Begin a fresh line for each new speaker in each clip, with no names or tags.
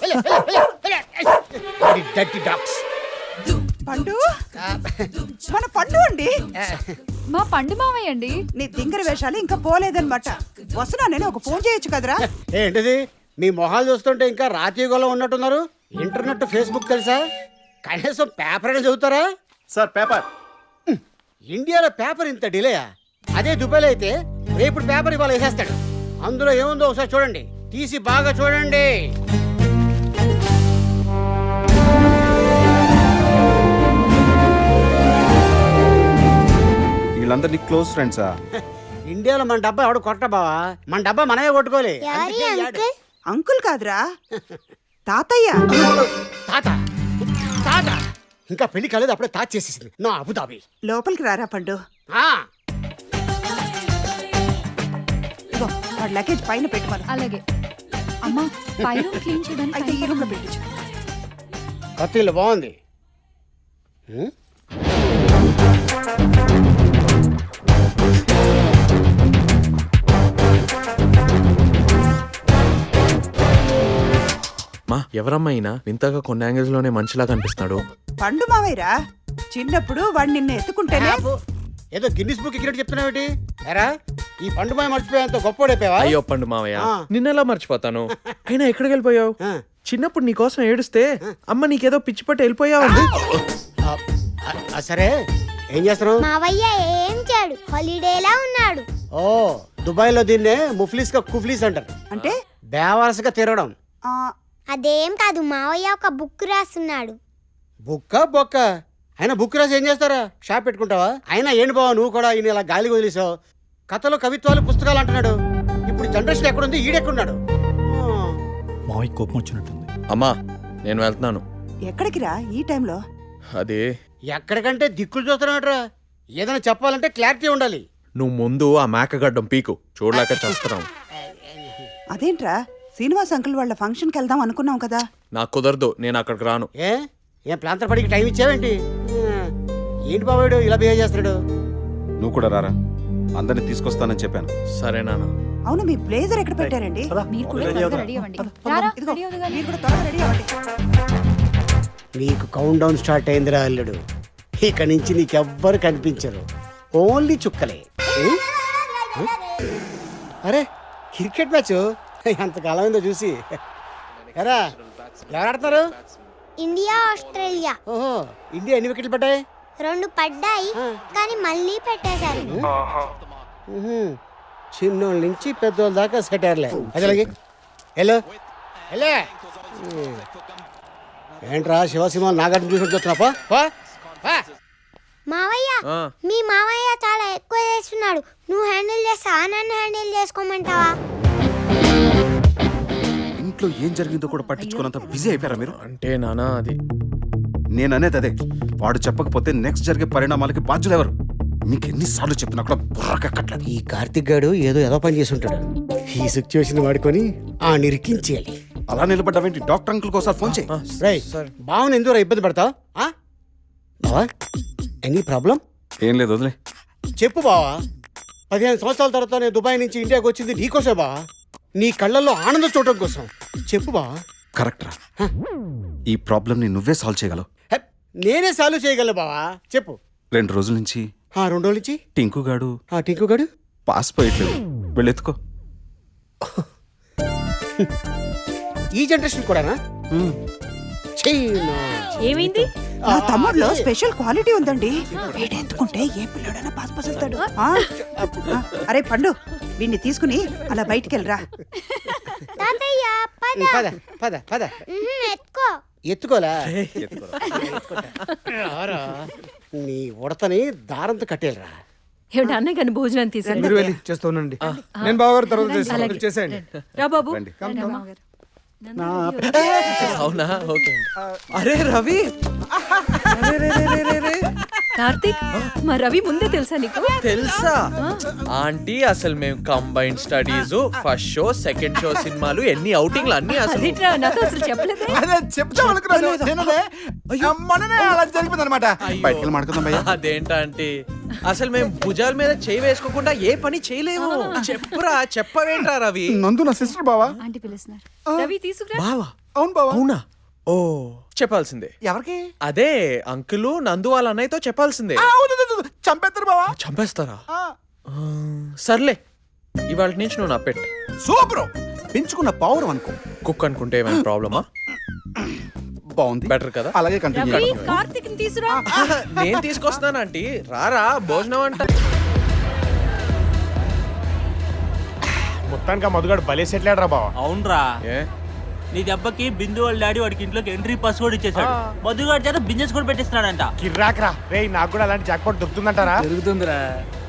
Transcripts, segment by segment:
Dirty dogs.
పండు మన పండు అండి.
మా పండు మావయ్య అండి.
నీ దింగర వేషాలు ఇంకా పోలేదన్నమాట. వస్తున్నా నేను ఒక ఫోన్ చేయొచ్చు కదరా.
ఏంటిది మీ మొహాలు చూస్తుంటే ఇంకా రాతీయుగంలో ఉన్నట్టున్నారు. ఇంటర్నెట్ ఫేస్బుక్ తెలుసా? కనీసం పేపర్ అయినా చదువుతారా?
Sir paper.
ఇండియాలో పేపర్ ఇంత డిలేయా? అదే దుబాయ్లో అయితే రేపు పేపర్ ఇవాళ వేసేస్తాడు. అందులో ఏముందో ఒకసారి చూడండి, తీసి బాగా చూడండి.
వీళ్ళందరినీ క్లోజ్ ఫ్రెండ్సా?
ఇండియాలో మన డబ్బా ఎవడు కొట్ట బావా, మన డబ్బా మనమే కొట్టుకోలే.
అంకుల్ కాదురా, తాతయ్య.
తాత తాత ఇంకా పెళ్లి కాలేదు, అప్పుడే తాత చేసేసింది నా అబుదాబి.
లోపలికి రారా పండు. ఇగో వాడి లగేజ్ పైన పెట్టుకోవాలి.
అలాగే అమ్మా, పై రూమ్ క్లీన్ చేయడానికి
అయితే ఈ రూమ్ లో పెట్టించు.
కొత్త ఇల్లు బాగుంది.
మా ఎవరమ్మా అయినా వింతగా కొన్ని యాంగిల్స్ లోనే మనిషిలా కనిపిస్తున్నాడు.
పండు మావయ్యరా, చిన్నప్పుడు వాడు నిన్ను ఎత్తుకుంటేనే.
ఏదో గిన్నిస్ బుక్ ఎక్కినట్టు చెప్తున్నావేటి? ఎరా ఈ పండు మాయ మర్చిపోయేంత గొప్పోడైపోయావా?
అయ్యో పండు మావయ్య, నిన్నెలా మర్చిపోతాను? అయినా ఎక్కడికి వెళ్ళిపోయావు? చిన్నప్పుడు నీకోసం ఏడుస్తే అమ్మ నీకేదో పిచ్చి పట్టి వెళ్ళిపోయావు.
సరే ఏం చేస్తున్నావు?
మావయ్య ఏం చేయడు, హాలిడేలా ఉన్నాడు.
ఓ దుబాయ్ లో దీన్నే ముఫ్లీస్ కా కుఫ్లీస్ అంటారు.
అంటే
బేవరసగా తిరగడం.
అదేం కాదు, మావయ్య ఒక బుక్ రాస్తున్నాడు.
బుక్క బొక్క అయినా బుక్ రాసి ఏం చేస్తారా? షాప్ పెట్టుకుంటావా? అయినా ఏంటి బావా నువ్వు కూడా ఈయన ఇలా గాలి వదిలేసావు. కథలు కవిత్వాలు పుస్తకాలు అంటున్నాడు. ఇప్పుడు జనరేషన్ ఎక్కడుంది, ఈడెక్కడున్నాడు?
మావయ్య కోపం వచ్చినట్టుంది.
అమ్మా నేను వెళ్తున్నాను.
ఎక్కడికి రా ఈ టైంలో?
అదే
ఎక్కడికంటే దిక్కులు చూస్తున్నాడరా. ఏదైనా చెప్పాలంటే క్లారిటీ ఉండాలి.
నువ్వు ముందు ఆ మేకగడ్డం పీకు, చూడలేక చేస్తున్నావు.
అదేంట్రా, శ్రీనివాస్ అంకుల్ వాళ్ళ ఫంక్షన్కి వెళ్దాం అనుకున్నాం కదా.
నాకు కుదరదు, నేను అక్కడికి రాను.
ఏం ప్లాంతర్ పడికి టైం ఇచ్చావేంటి? ఏంటి బాబాడు ఇలా బిహేవ్ చేస్తున్నాడు?
నువ్వు కూడా రారా, అందరిని తీసుకొస్తానని చెప్పాను.
సరే నాన్న.
అవును, మీ బ్లేజర్ ఎక్కడ పెట్టారండి?
మీరు కూడా త్వరగా రెడీ అవ్వండి. రారా,
ఇదిగో,
రెడీ అవుదుగా.
మీరు కూడా త్వరగా రెడీ అవ్వండి.
నీకు కౌంట్ డౌన్ స్టార్ట్ అయిందిరా అల్లుడు. ఇక నుంచి నీకెవ్వరు కనిపించరు, ఓన్లీ చుక్కలే. అరే క్రికెట్ మ్యాచ్ ఎంతకాలం అయిందో చూసి. ఎరా ఎవరు ఆడతారు?
India Australia.
ఓహో, ఇండియా ఎన్ని వికెట్లు పడ్డాయి?
2 పడ్డాయి, కానీ మళ్ళీ పెట్టేశారు.
చిన్నోళ్ళ నుంచి పెద్దోళ్ళ దాకా సెటర్లే. అసలుకి హలో హలో ఏంట్రా శివసింహ నాగార్జున చూసి చూస్తున్నాపా?
మావయ్య, మీ మావయ్య చాలా ఎక్కువ చేస్తున్నాడు. నువ్వు హ్యాండిల్ చేస్తావా, నన్ను హ్యాండిల్ చేసుకోమంటావా?
ఇంట్లో ఏం జరిగిందో కూడా పట్టించుకున్నంత బిజీ అయిపోయారా మీరు?
అంటే నానా అది
నేను అనేది అదే. వాడు చెప్పకపోతే నెక్స్ట్ జరిగే పరిణామాలకి బాధ్యులు ఎవరు? మీకు ఎన్నిసార్లు చెప్పినా కూడా బుర్రకెక్కట్లేదు.
ఈ కార్తిక్ గాడు ఏదో పని చేసి ఉంటాడు. ఈ సిచ్యువేషన్ వాడుకొని ఆ నిరికించేయాలి.
అలా నిలబడ్డావేంటి? డాక్టర్ అంకుల్ కోసం ఫోన్ చేయి.
బావని ఎందుకు ఇబ్బంది పడతావు? బావా ఎనీ ప్రాబ్లం?
ఏం లేదు, వదిలే.
చెప్పు బావా. 15 సంవత్సరాల తర్వాత నేను దుబాయ్ నుంచి ఇండియాకి వచ్చింది నీకోసం బావా. నీ కళ్ళల్లో ఆనందం చూడటం కోసం. చెప్పు బావా.
కరెక్ట్ రా, ఈ ప్రాబ్లం ని నువ్వే సాల్వ్ చేయగలవు.
నేనే సాల్వ్ చేయగలను బావా, చెప్పు.
2 రోజుల నుంచి
2 రోజుల నుంచి
టింకు గాడు పాస్ పోయట్లేదు. వెళ్ళెత్తుకో.
ఈ జనరేషన్ కూడానా?
ఏమైంది?
నా తమ్ముడులో స్పెషల్ క్వాలిటీ ఉందండి. వీడెత్తుకుంటే ఏ పిల్లడైనా పాస్ పాస్ అవుతాడు. అరే పండు, వీడిని తీసుకుని అలా బయటికి వెళ్ళరా.
తాతయ్య
పద పద పద.
ఎత్తుకో.
ఎత్తుకోలా? నీ ఉడతని దారంతో కట్టేలరా.
ఏమిటి అన్నయ్య కానీ భోజనం తీసుకుని
చేస్తానండి. నేను బావగారు తర్వాత చేసేయండి.
రా బాబు.
అవునా? ఓకే.
అరే రవి,
కార్తీక్, మా రవి ముందే తెలుసా నీకు?
తెలుసా ఆంటీ? అసలు మేము combined studies, first show, second show సినిమాలు, ఎన్ని అవుటింగ్లు అన్ని. అసలు
నాకు అసలు చెప్పలేదు.
అదేంటంటే అసలు మేము భుజాల మీద చేయి వేసుకోకుండా ఏ పని చేయలేము. చెప్పురా, చెప్పవేంట్రా రవి?
నందు నా సిస్టర్ బావా.
ఆంటీ పిలుస్తున్నారు. రవి తీసుకురా.
బావా
అవును బావా
అవునా ఓ చెప్పాల్సిందే
ఎవరికి
అదే అంకులు నందు వాళ్ళ అన్నయ్యతో చెప్పాల్సిందే
చంపేస్తారు బావా
చంపేస్తారా ఆ, సర్లే ఇవాళ నుంచి నువ్వు నా పెట్
సూపర్ పెంచుకున్న పౌరం అనుకో
కుక్ అనుకుంటే ఏమైనా ప్రాబ్లమా
బాగుంది
బెటర్ కదా
అలాగే కంటిన్యూ
రవి కార్తీక్ తీసురా
నేను తీసుకొస్తాను ఆంటీ రారా భోజనం అంట
మొత్తానికి ఆ మధుగాడు భలే సెటిల్ ఆడరా బావ
అవునరా
ఏ
నీ దెబ్బకి బిందు వాళ్ళ డాడీ వాడికి ఇంట్లోకి ఎంట్రీ పాస్ కూడా ఇచ్చేసాడు మధుగాడి చేత బిజినెస్ కూడా పెట్టిస్తున్నాడంట
కిర్రాక్రా రే నాకు కూడా అలాంటి జాక్పాట్ దొరుకుతుందంటారా
జరుగుతుందిరా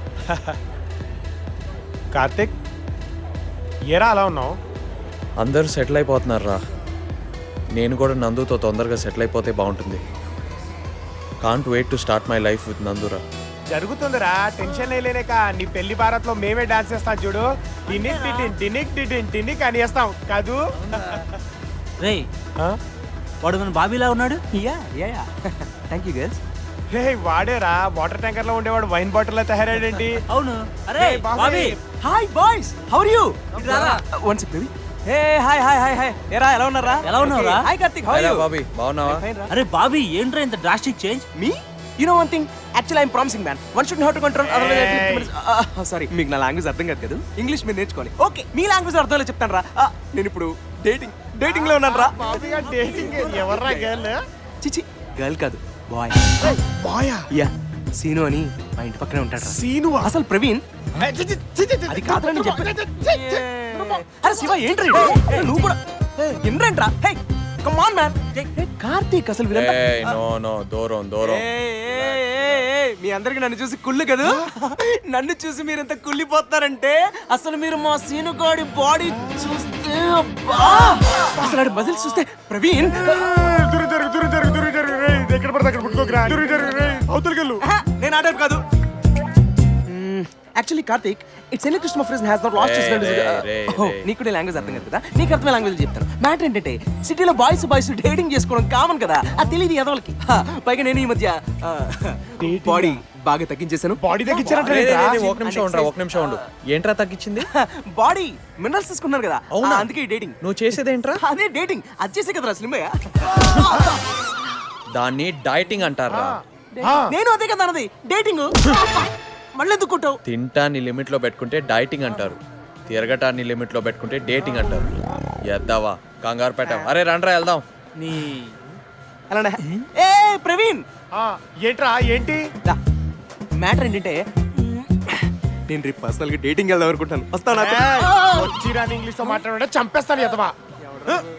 కార్తిక్ ఏరా అలా ఉన్నావు
అందరూ సెటిల్ అయిపోతున్నారు రా నేను కూడా నందుతో తొందరగా సెటిల్ అయిపోతే బాగుంటుంది can't wait to start my life with నందురా
జరుగుతుందిరా టెన్షన్ లేక నీ పెళ్లి భారత్ లో మేమే డాన్స్ చేస్తాం చూడు టినిక్ టిటిన్ టినిక్ టిటిన్ టినిక్ అని చేస్తాం కాదు
రే
ఆ?
వాడు మన బాబీలా ఉన్నాడు
థ్యాంక్ యూ గర్ల్స్
రే వాడేరా వాటర్ ట్యాంకర్ లో ఉండేవాడు వైన్ బాటిల్ లో తయారాడేంటి
అవును అరే
Hey, Bobby.
Bobby
hi boys how are you
ఇటు రారా.
One second baby hey hi hi hi hi ఏరా ఎలా ఉన్నారా
ఎలా ఉన్నావురా?
Hi Karthik how are
hello
you
Bobby బాగున్నావా
అరే బాబీ ఏంట్రా ఇంత డ్రాస్టిక్ చేంజ్
మీ you know one thing actually I'm promising man one should how to control sorry మీకు నా లాంగ్వేజ్ అర్థం కాదు కదా ఇంగ్లీష్ మీరు నేర్చుకోవాలి ఓకే మీ లాంగ్వేజ్ అర్థం చెప్తాను రా నేను ఇప్పుడు డేటింగ్ లో ఉన్నాను రా
డేటింగ్ ఎవర్రా గర్ల్
చిచి గర్ల్ కాదు బాయ్
బాయా
యా సీను అని మా ఇంటి పక్కనే ఉంటాడు రా.
సీను
అసలు ప్రవీణ్ అది కాదని చెప్పి అరే శివ ఏంట్రా ఇది? నువ్వు కూడా ఏంట్రా hey come on man Karthik అసలు వీళ్ళంతా
నో నో దూరం దూరం
మీ అందరికి నన్ను చూసి కుళ్ళు కదా నన్ను చూసి మీరు ఎంత కుళ్ళిపోతారంటే అసలు మీరు మా సీనుగాడి బాడీ చూస్తే అబ్బా! అసలు ఆడి మజిల్స్ చూస్తే ప్రవీణ్
ఎక్కడ పడితే అక్కడ పుట్టుకోకరా అవతలకెళ్ళు
నేను ఆడాను కాదు actually Karthik it's any Krishna friends has not lost నీకు నీ లాంగ్వేజ్ అర్థం కాదు కదా నీకు అర్థమైన లాంగ్వేజ్ చెప్తాను మ్యాటర్ ఏంటంటే సిటీలో బాయ్స్ డేటింగ్ చేసుకోవడం కామన్ కదా అది తెలియదు ఎదవలకి పైగా నేను ఈ మధ్య బాడీ బాగా తగ్గించేశాను
బాడీ
రే, రే,
తగ్గించారంటే
రే, ఒక నిమిషం ఉండరా ఒక నిమిషం ఉండు ఏంట్రా తగ్గించింది
బాడీ మినరల్స్ తీసుకున్నారు కదా
అవునా?
అందుకే డేటింగ్
నువ్వు చేసేదేంట్రా
అదే డేటింగ్ అది చేసే కదరా స్లిమ్మయ్య
దాన్ని డైటింగ్ అంటారా
నేను అదే కదా అన్నది డేటింగ్ మళ్ళీ ఎందుకు కొట్టావు
తింటాన్ని లిమిట్ లో పెట్టుకుంటే డైటింగ్ అంటారు తిరగటాన్ని లిమిట్ లో పెట్టుకుంటే డేటింగ్ అంటారు ఎద్దావా కంగారు పెట్టాం అరే రండ్రా వెళ్దాం
నీ
అలానే ఏ ప్రవీణ్
ఏంట్రా ఏంటి
మ్యాటర్ ఏంటంటే నేను రేపు పర్సనల్ గా డేటింగ్ వెళ్దాం అనుకుంటాను వస్తాను
వచ్చిరాని ఇంగ్లీష్ లో మాట్లాడే చంపేస్తాను ఎదవా